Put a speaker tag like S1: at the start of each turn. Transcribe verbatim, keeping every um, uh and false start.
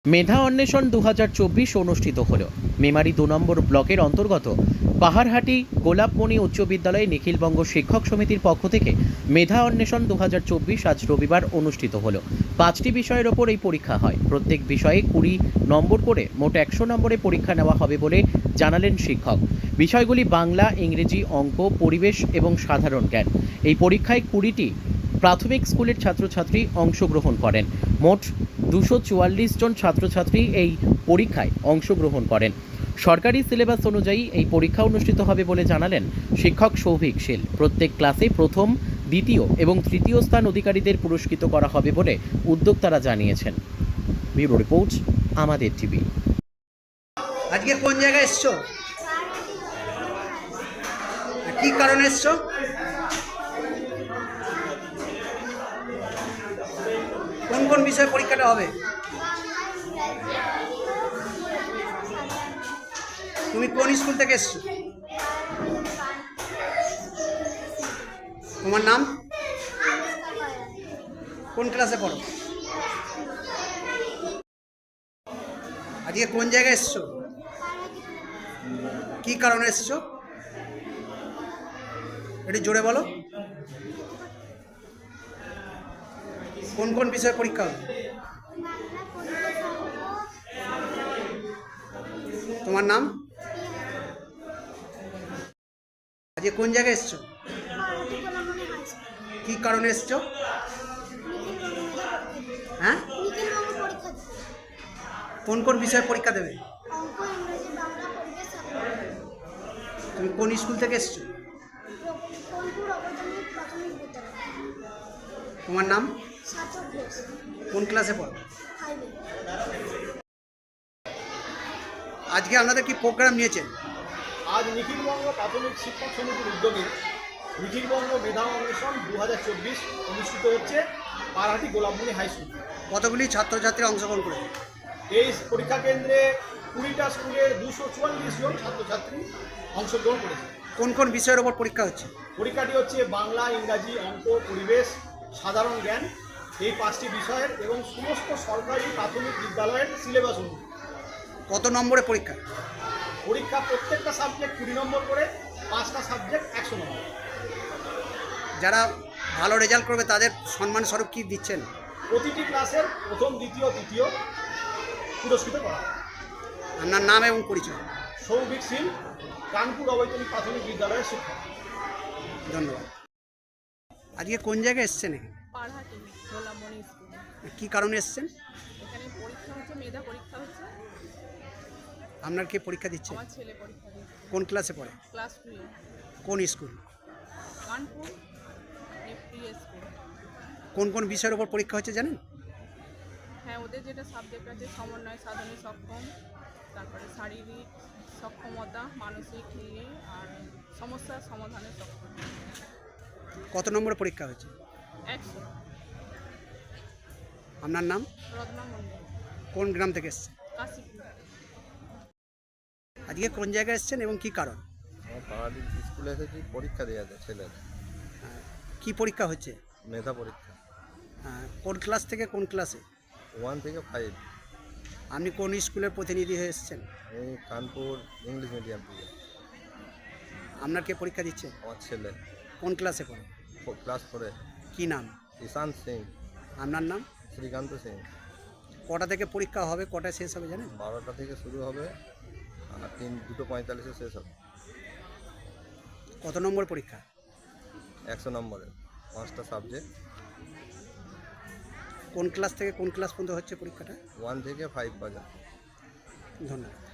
S1: মেধা অন্বেষণ দু হাজার চব্বিশ অনুষ্ঠিত হল। মেমারি দু নম্বর ব্লকের অন্তর্গত পাহাড়হাটি গোলাপমণি উচ্চ বিদ্যালয়ে নিখিলবঙ্গ শিক্ষক সমিতির পক্ষ থেকে মেধা অন্বেষণ দু হাজার চব্বিশ আজ রবিবার অনুষ্ঠিত হল। পাঁচটি বিষয়ের ওপর এই পরীক্ষা হয়। প্রত্যেক বিষয়ে কুড়ি নম্বর করে মোট একশো নম্বরে পরীক্ষা নেওয়া হবে বলে জানালেন শিক্ষক। বিষয়গুলি বাংলা, ইংরেজি, অঙ্ক, পরিবেশ এবং সাধারণ জ্ঞান। এই পরীক্ষায় কুড়িটি প্রাথমিক স্কুলের ছাত্রছাত্রী অংশগ্রহণ করেন। মোট দুশো চুয়াল্লিশ জন ছাত্রছাত্রী এই পরীক্ষায় অংশগ্রহণ করেন। সরকারি সিলেবাস অনুযায়ী এই পরীক্ষা অনুষ্ঠিত হবে বলে জানালেন শিক্ষক সৌভিক শীল। প্রত্যেক ক্লাসে প্রথম, দ্বিতীয় এবং তৃতীয় স্থান অধিকারীদের পুরস্কৃত করা হবে বলে উদ্যোক্তারা জানিয়েছেন। ব্যুরো রিপোর্ট, আমাদের টিভি।
S2: আজকে কোন জায়গায় এসছো? কি কারণে এসছো? কোন কোন বিষয়ে পরীক্ষাটা হবে? তুমি কোন স্কুল থেকে এসছো? তোমার নাম? কোন ক্লাসে পড়ো? আজকে কোন জায়গায় এসছো? কি কারণে এসছো? একটু জোরে বলো। কোন কোন বিষয়ে পরীক্ষা হবে? তোমার নাম? আজকে কোন জায়গায় এসছো? কি কারণে এসছো? হ্যাঁ, কোন কোন বিষয়ে পরীক্ষা দেবে? তুমি কোন স্কুল থেকে এসছো? তোমার নাম? কোন ক্লাসে পড়ো? আজকে আপনাদের কি প্রোগ্রাম নিয়েছেন?
S3: আজ নিখিলবঙ্গ প্রাথমিক শিক্ষক সমিতির উদ্যোগে নিখিলবঙ্গ মেধা অন্বেষণ দু হাজার চব্বিশ অনুষ্ঠিত হচ্ছে পাহাড়হাটি গোলাপমণি হাই স্কুল।
S2: কতগুলি ছাত্রছাত্রী অংশগ্রহণ করেছে?
S3: এই পরীক্ষা কেন্দ্রে কুড়িটা স্কুলের দুশো চুয়াল্লিশ জন ছাত্রছাত্রী অংশগ্রহণ করেছে।
S2: কোন কোন বিষয়ের ওপর পরীক্ষা হচ্ছে?
S3: পরীক্ষাটি হচ্ছে বাংলা, ইংরাজি, অঙ্ক, পরিবেশ, সাধারণ জ্ঞান, এই পাঁচটি বিষয়ের এবং সমস্ত সরকারি প্রাথমিক বিদ্যালয়ের সিলেবাস অনুযায়ী।
S2: কত নম্বরে পরীক্ষা?
S3: পরীক্ষা প্রত্যেকটা সাবজেক্ট কুড়ি নম্বর করে, পাঁচটা সাবজেক্ট একশো নম্বর।
S2: যারা ভালো রেজাল্ট করবে তাদের সম্মান স্বরূপ কী দিচ্ছেন?
S3: প্রতিটি ক্লাসের প্রথম, দ্বিতীয়, তৃতীয় পুরস্কৃত করা।
S2: আপনার নাম এবং পরিচয়?
S3: সৌভিক সিং, কানপুর অবৈতনিক প্রাথমিক বিদ্যালয়ের শিক্ষক।
S2: ধন্যবাদ। আজকে কোন জায়গায় এসছেন?
S4: পাহাড়হাটি গোলাপমণি স্কুল।
S2: কী কারণে এসছেন?
S4: এখানে পরীক্ষা হচ্ছে, মেধা পরীক্ষা হচ্ছে।
S2: আপনার কে পরীক্ষা দিচ্ছে?
S4: আমার ছেলে পরীক্ষা দিচ্ছে।
S2: কোন ক্লাসে পড়ে?
S4: Class two A.
S2: কোন স্কুল?
S4: Kanpur FP school.
S2: কোন কোন বিষয়ের ওপর পরীক্ষা হচ্ছে জানেন?
S4: হ্যাঁ, ওদের যেটা সাবজেক্ট আছে সমন্বয় সাধনে সক্ষম, তারপরে শারীরিক সক্ষমতা, মানসিক নিয়ে আর সমস্যার সমাধানে সক্ষম।
S2: কত নম্বরে পরীক্ষা হচ্ছে?
S4: একশো।
S2: আপনার নাম?
S4: রত্না মন্ডল,
S2: কোন গ্রাম থেকে এসছেন?
S4: কাশীপুর।
S2: আজকে কোন জায়গায় এসছেন এবং কি কারণ?
S5: আমার পাহাড়ি স্কুলে এসেছি পরীক্ষা দেওয়াতে ছেলের।
S2: কি পরীক্ষা হচ্ছে?
S5: মেধা পরীক্ষা।
S2: আহ, কোন ক্লাস থেকে কোন ক্লাসে?
S5: ওয়ান থেকে ফাইভ।
S2: আপনি কোন স্কুলের প্রতিনিধি হয়ে এসছেন?
S5: এই কানপুর ইংলিশ মিডিয়াম থেকে।
S2: আপনার কে পরীক্ষা দিচ্ছে?
S5: আমার ছেলে
S2: কোন ক্লাসে পড়ে?
S5: ক্লাস ফোরে।
S2: কি নাম?
S5: ঈশান্ত সিং।
S2: আপনার নাম?
S5: শ্রীকান্ত সিং।
S2: কটা থেকে পরীক্ষা হবে, কটায় শেষ হবে জানেন?
S5: বারোটা থেকে শুরু হবে আর তিন দুটো পঁয়তাল্লিশে শেষ হবে।
S2: কত নম্বর পরীক্ষা?
S5: একশো নম্বরের পাঁচটা সাবজেক্ট।
S2: কোন ক্লাস থেকে কোন ক্লাস পর্যন্ত হচ্ছে পরীক্ষাটা?
S5: ওয়ান থেকে ফাইভ পর্যন্ত।
S2: ধন্যবাদ।